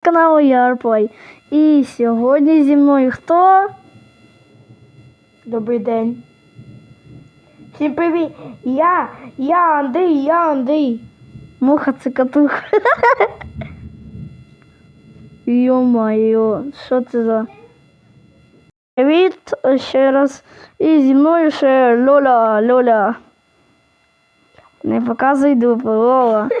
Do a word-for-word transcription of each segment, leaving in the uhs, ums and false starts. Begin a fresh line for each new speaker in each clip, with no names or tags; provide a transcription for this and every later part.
каналу Ярплей. І сьогодні зі мною хто?
Добрий день. Всім привіт. Я, я Андрій, я Андрій.
Муха цикатуха. Йо-майо, що це за... Привіт ще раз. І зі мною ще Лоля, Лоля. Не показуй дупу, Лола.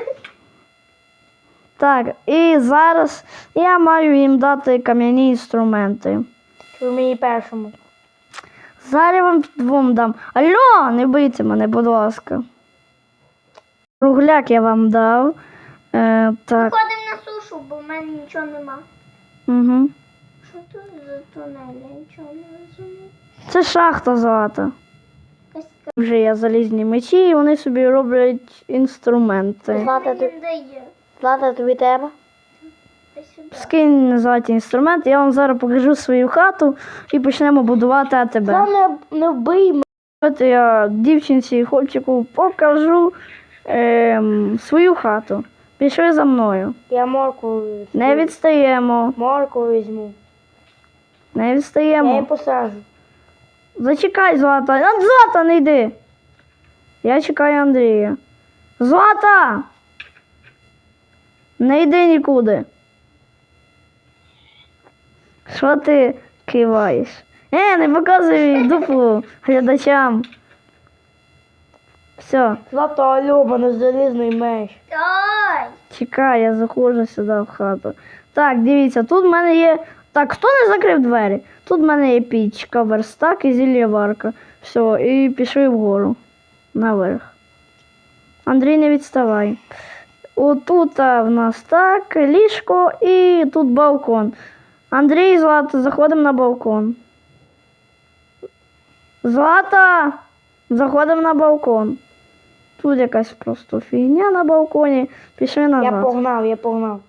Так, і зараз я маю їм дати кам'яні інструменти.
Ви мені першому.
Зараз я вам двом дам. Алло, не бийте мене, будь ласка. Кругляк я вам дав. Е, так.
Виходимо на сушу, бо в мене нічого нема.
Угу.
Що тут за тунель? Я нічого не розумію.
Це шахта злата.
Якась
Вже є залізні мечі, і вони собі роблять інструменти.
Злата,
мені
ти-
не дає.
Злата, тобі треба?
Дай сюди.
Скинь золоті інструменти, я вам зараз покажу свою хату і почнемо будувати АТБ.
Не, не вбий мене.
От я дівчинці і хлопчику покажу ем, свою хату. Пішли за мною.
Я морку
Не відстаємо.
Морку візьму.
Не
Я її
відстаємо.
посажу.
Зачекай, Злата. А, Злата, не йди. Я чекаю Андрія. Злата! Не йди нікуди. Що ти киваєш? Е, не показуй дупу глядачам. Все,
Злата, алло, мене залізний меч.
Дай!
чекай, я заходжу сюди в хату. Так, дивіться, тут в мене є... Так, хто не закрив двері? Тут в мене є пічка, верстак і зіллєварка. Все, і пішли вгору. Наверх. Андрій, не відставай. Отут а, в нас так, ліжко і тут балкон. Андрій, Злата, заходимо на балкон. Злата! Заходимо на балкон. Тут якась просто фігня на балконі. Пішли назад.
Я погнав, я погнав.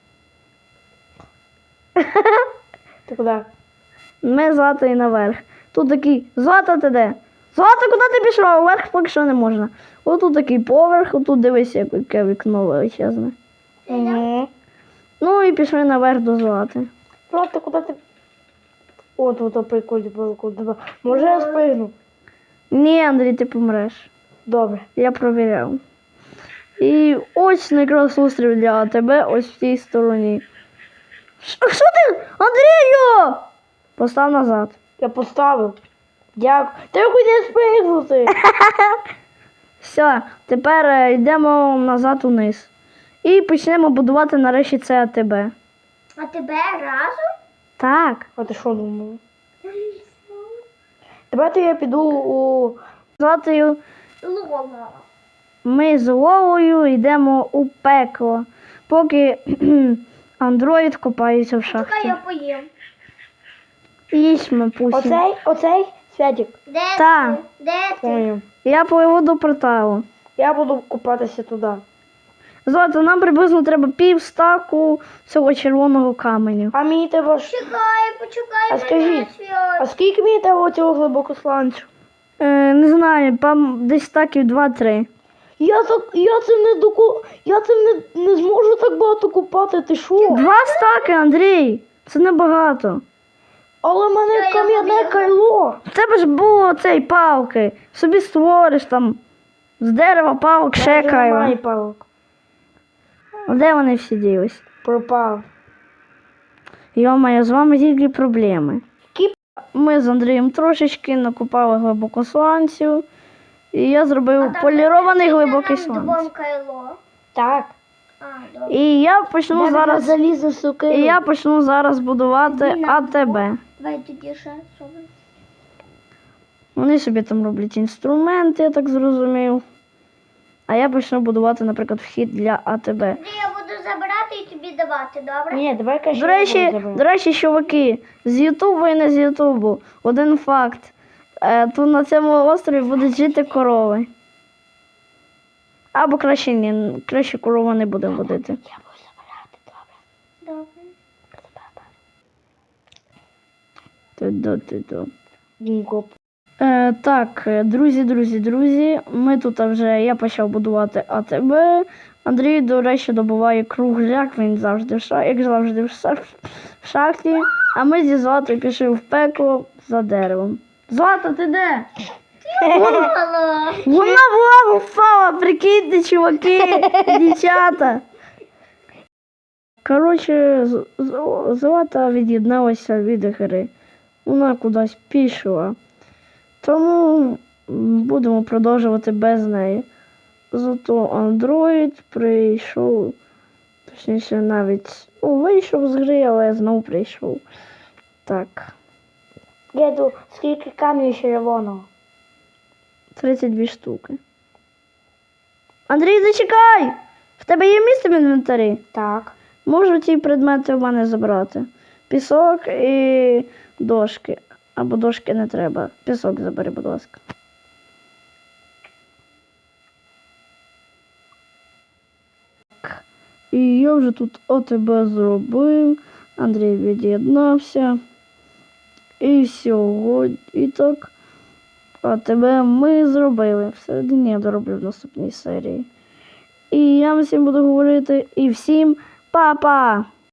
Ти куди?
Ми з Златою наверх. Тут такий, Злата, ти де? Злата, куди ти пішла? Вверх поки що не можна. Ось тут такий поверх, отут дивись, яке вікно величезне.
Угу.
Ну і пішли наверх до Злати.
Злата, куди ти? О, тут прикольно балкон. Може я спригну?
Ні, Андрій, ти помреш.
Добре.
Я провіряв. І ось якраз острів для тебе, ось в тій стороні. Ш- Що ти? Андрію! Постав назад.
Я поставив. Дякую. Ти куди спригнути?
Все, тепер е, йдемо назад униз. І почнемо будувати нарешті це АТБ.
А тебе разом?
Так.
А ти що думала? Давайте я піду у...
Златою
Лола.
ми з Лолою йдемо у пекло, поки андроїд копається в
Чекай,
шахті.
я поїм.
Їсть пусі.
Оцей, оцей Святик.
Де
Та.
ти? Де ти?
Поняв.
Я пливу до порталу.
Я буду купатися туди.
Злата, нам приблизно треба пів стаку цього червоного каменю.
А мені треба ж...
Чекай, почекай
А
мене,
скажіть,
Свят.
А скільки мені треба цього глибокосланцю?
Е, не знаю, там десь стаків два-три.
Я так, я це не доку... Я це не, не зможу так багато купати, ти що?
Два стаки, Андрій! Це небагато.
Але в мене
Що, я
кам'яне
побігла?
кайло.
В тебе ж було цей палки. Собі створиш там з дерева палок, ще
Вже
кайва.
немає палок.
Де вони всі ділись?
Пропав.
Йо-моє, з вами тільки проблеми.
Кіп.
Ми з Андрієм трошечки накопали глибокосланців. І я зробив полірований глибокий
сланець.
сланець.
Кайло.
Так.
А, добре.
І я почну зараз.
залізну сукину.
І я почну зараз будувати
Іди на
АТБ.
Давай тоді ще зробимо.
Вони собі там роблять інструменти, я так зрозумів. А я почну будувати, наприклад, вхід для АТБ.
Андрій, я буду забирати і тобі давати, добре?
Ні, давай кажи.
До речі, до речі, чуваки, з Ютубу і не з Ютубу. Один факт. Е, тут на цьому острові будуть жити корови. Або краще ні, краще корова не буде водити.
Я буду забирати, добре.
Добре.
Ту-ду-ту-ду.
Дінько.
Е, так, друзі, друзі, друзі, ми тут вже, я почав будувати АТБ, Андрій, до речі, добуває кругляк, він завжди в шахті, як завжди в ша- в шахті. А ми зі Златою пішли в пекло за деревом. Злата, ти де?
Мало.
Вона в лаву впала, прикиньте, чуваки, дівчата. Коротше, З- З- Злата від'єдналася від гри. Вона кудись пішла. Тому м, будемо продовжувати без неї. Зато Андроїд прийшов, точніше навіть ну, вийшов з гри, але знову прийшов. Так,
Діду, скільки камнів червоного?
тридцять дві штуки. Андрій, зачекай! В тебе є місце в інвентарі?
Так.
Можу ті предмети в мене забрати. Пісок і дошки. Або дошки не треба. Пісок забери, будь ласка. Так. І я вже тут ОТБ зробив. Андрій від'єднався. І сьогодні і так. ОТБ ми зробили. Всередині я дороблю в наступній серії. І я всім буду говорити і всім па-па!